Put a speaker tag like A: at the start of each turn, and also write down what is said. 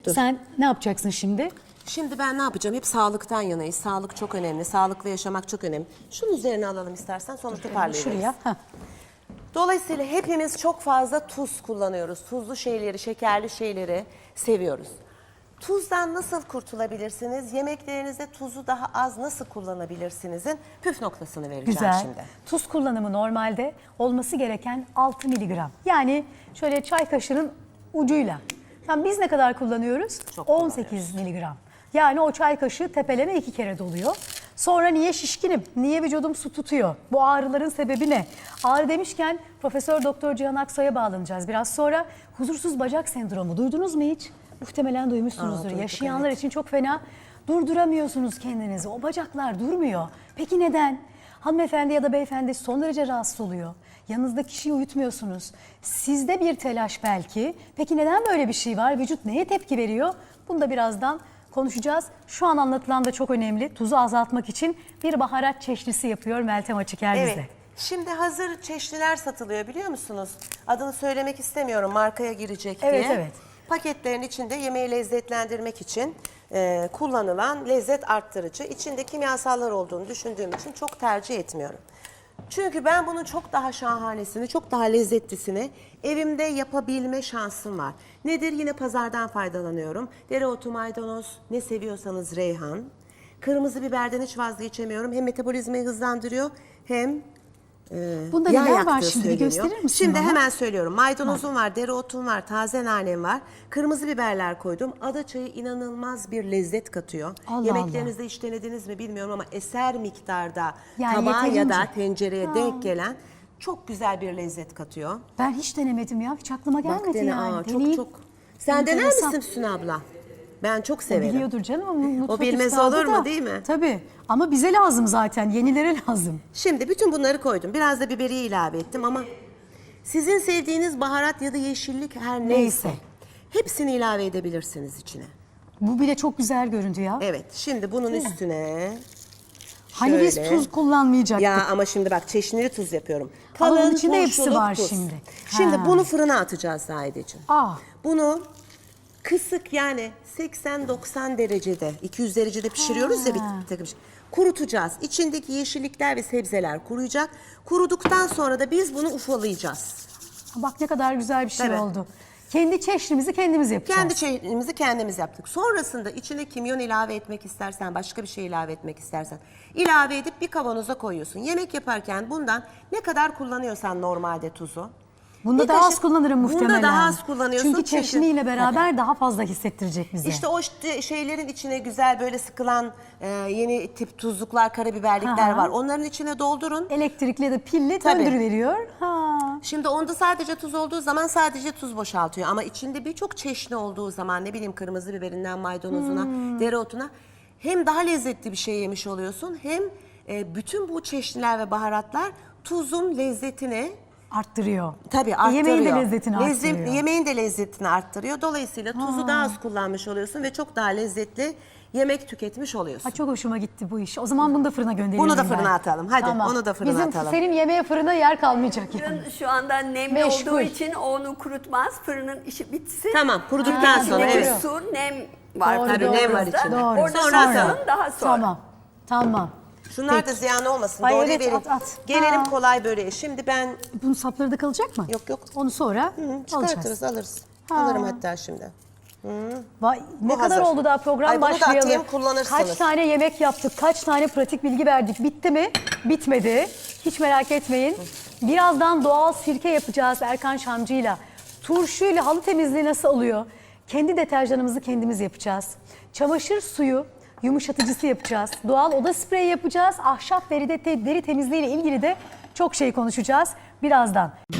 A: Dur.
B: Sen ne yapacaksın şimdi?
A: Şimdi ben ne yapacağım? Hep sağlıktan yanayız. Sağlık çok önemli. Sağlıklı yaşamak çok önemli. Şunun üzerine alalım istersen, sonra toparlayalım.
B: Şuraya. Heh.
A: Dolayısıyla hepimiz çok fazla tuz kullanıyoruz. Tuzlu şeyleri, şekerli şeyleri seviyoruz. Tuzdan nasıl kurtulabilirsiniz? Yemeklerinizde tuzu daha az nasıl kullanabilirsinizin püf noktasını vereceğim
B: Güzel.
A: şimdi.
B: Tuz kullanımı normalde olması gereken 6 miligram. Yani şöyle çay kaşığının ucuyla. Tam biz ne kadar kullanıyoruz?
A: Çok
B: 18 miligram. Yani o çay kaşığı tepeleme 2 kere doluyor. Sonra niye şişkinim? Niye vücudum su tutuyor? Bu ağrıların sebebi ne? Ağrı demişken Profesör Doktor Cihan Aksoy'a bağlanacağız. Biraz sonra huzursuz bacak sendromu. Duydunuz mu hiç? Muhtemelen duymuşsunuzdur.
A: Duyduk,
B: Yaşayanlar
A: evet.
B: için çok fena. Durduramıyorsunuz kendinizi. O bacaklar durmuyor. Peki neden? Hanımefendi ya da beyefendi son derece rahatsız oluyor. Yanınızda kişiyi uyutmuyorsunuz. Sizde bir telaş belki. Peki neden böyle bir şey var? Vücut neye tepki veriyor? Bunu da birazdan konuşacağız. Şu an anlatılan da çok önemli. Tuzu azaltmak için bir baharat çeşnisi yapıyor Meltem Açıker bize.
A: Evet. Şimdi hazır çeşniler satılıyor, biliyor musunuz? Adını söylemek istemiyorum, markaya girecek diye.
B: Evet, evet.
A: Paketlerin içinde yemeği lezzetlendirmek için kullanılan lezzet arttırıcı. İçinde kimyasallar olduğunu düşündüğüm için çok tercih etmiyorum. Çünkü ben bunun çok daha şahanesini, çok daha lezzetlisini evimde yapabilme şansım var. Nedir? Yine pazardan faydalanıyorum. Dereotu, maydanoz, ne seviyorsanız reyhan. Kırmızı biberden hiç vazgeçemiyorum. Hem metabolizmayı hızlandırıyor hem
B: Bunda
A: yağ
B: neler var
A: yaktığı
B: şimdi? Bir
A: söyleniyor.
B: gösterir misin
A: Şimdi
B: bana?
A: hemen söylüyorum. Maydanozum var, dereotum var, taze nanem var. Kırmızı biberler koydum. Ada çayı inanılmaz bir lezzet katıyor.
B: Allah
A: Yemeklerinizde hiç denediniz mi bilmiyorum ama eser miktarda
B: Yani
A: tabağa ya da
B: yeterince.
A: tencereye denk gelen çok güzel bir lezzet katıyor.
B: Ben hiç denemedim ya. Hiç aklıma gelmedi
A: Bak dene,
B: yani.
A: aa,
B: Deneyeyim.
A: çok. Sen dener
B: Enteresan.
A: misin Füsun abla? Ben çok
B: O
A: severim.
B: biliyordur canım. Ama mutfak
A: bilmez
B: üstadı
A: olur mu,
B: da.
A: değil mi?
B: Tabii. Ama bize lazım zaten. Yenilere lazım.
A: Şimdi bütün bunları koydum. Biraz da biberiye ilave ettim ama sizin sevdiğiniz baharat ya da yeşillik her neyse hepsini ilave edebilirsiniz içine.
B: Bu bile çok güzel göründü ya.
A: Evet, şimdi bunun üstüne
B: Hani biz
A: şöyle.
B: tuz kullanmayacaktık.
A: Ya ama şimdi bak, çeşnili tuz yapıyorum.
B: Ama bunun
A: Kalın
B: içinde hepsi
A: turşuluk
B: var
A: tuz.
B: şimdi.
A: Şimdi
B: Ha.
A: bunu fırına atacağız Zahideciğim.
B: Aa,
A: Bunu kısık, yani 80-90 derecede, 200 derecede pişiriyoruz ya bir takım şey. Kurutacağız. İçindeki yeşillikler ve sebzeler kuruyacak. Kuruduktan sonra da biz bunu ufalayacağız.
B: bak ne kadar güzel bir şey
A: Tabii.
B: oldu. Kendi çeşnimizi kendimiz yapacağız.
A: Kendi çayımızı kendimiz yaptık. Sonrasında içine kimyon ilave etmek istersen, başka bir şey ilave etmek istersen ilave edip bir kavanoza koyuyorsun. Yemek yaparken bundan ne kadar kullanıyorsan normalde tuzu.
B: Bunda
A: bir
B: daha az
A: kaşık-
B: kullanırım muhtemelen.
A: Bunda daha az kullanıyorsun.
B: Çünkü çeşniyle beraber daha fazla hissettirecek bize.
A: İşte o şeylerin içine güzel böyle sıkılan yeni tip tuzluklar, karabiberlikler
B: Aha.
A: var. Onların içine doldurun.
B: Elektrikli ya da pilli
A: Tabii.
B: döndürüveriyor. Ha.
A: Şimdi onda sadece tuz olduğu zaman sadece tuz boşaltıyor. Ama içinde birçok çeşni olduğu zaman, ne bileyim, kırmızı biberinden maydanozuna, dereotuna, hem daha lezzetli bir şey yemiş oluyorsun, hem bütün bu çeşniler ve baharatlar tuzun lezzetini
B: Arttırıyor.
A: tabii arttırıyor.
B: Yemeğin de lezzetini arttırıyor.
A: Yemeğin de lezzetini arttırıyor. Dolayısıyla tuzu daha az kullanmış oluyorsun ve çok daha lezzetli yemek tüketmiş oluyorsun.
B: Ha, çok hoşuma gitti bu iş. O zaman bunu da fırına gönderelim.
A: Bunu da
B: ben.
A: fırına atalım. Hadi, onu da fırına
B: Bizim
A: atalım.
B: senin yemeğe fırına yer kalmayacak yani.
C: Fırın şu anda nemli
B: Meşgul.
C: olduğu için onu kurutmaz. Fırının işi bitsin.
A: Tamam, kuruduktan sonra,
C: İçindeki
A: evet.
C: su, nem var
B: Doğru,
C: tabii
B: doğru.
A: nem var
C: orada.
A: içinde.
B: Doğru.
C: Orada
A: Sonra
C: sonra
A: atalım.
C: daha sonra.
B: Tamam.
A: Şunlar da
B: Peki.
A: ziyan olmasın.
B: Ay,
A: Doğruyu
B: evet,
A: verin.
B: at.
A: Gelelim
B: Ha.
A: kolay böreğe. Şimdi ben
B: Bunun sapları da kalacak mı?
A: Yok.
B: Onu sonra
A: çıkartırız,
B: alacağız.
A: alırız.
B: Ha.
A: Alırım hatta şimdi.
B: Vay, ne
A: Bu
B: kadar
A: hazır.
B: oldu daha program
A: Ay, bunu da
B: başlayalı.
A: atayım, kullanırsınız.
B: Kaç tane yemek yaptık, kaç tane pratik bilgi verdik. Bitti mi? Bitmedi. Hiç merak etmeyin. Birazdan doğal sirke yapacağız Erkan Şamcı'yla. Turşuyla halı temizliği nasıl oluyor? Kendi deterjanımızı kendimiz yapacağız. Çamaşır suyu yumuşatıcısı yapacağız. Doğal oda spreyi yapacağız. Ahşap deri temizliği ile ilgili de çok şey konuşacağız birazdan.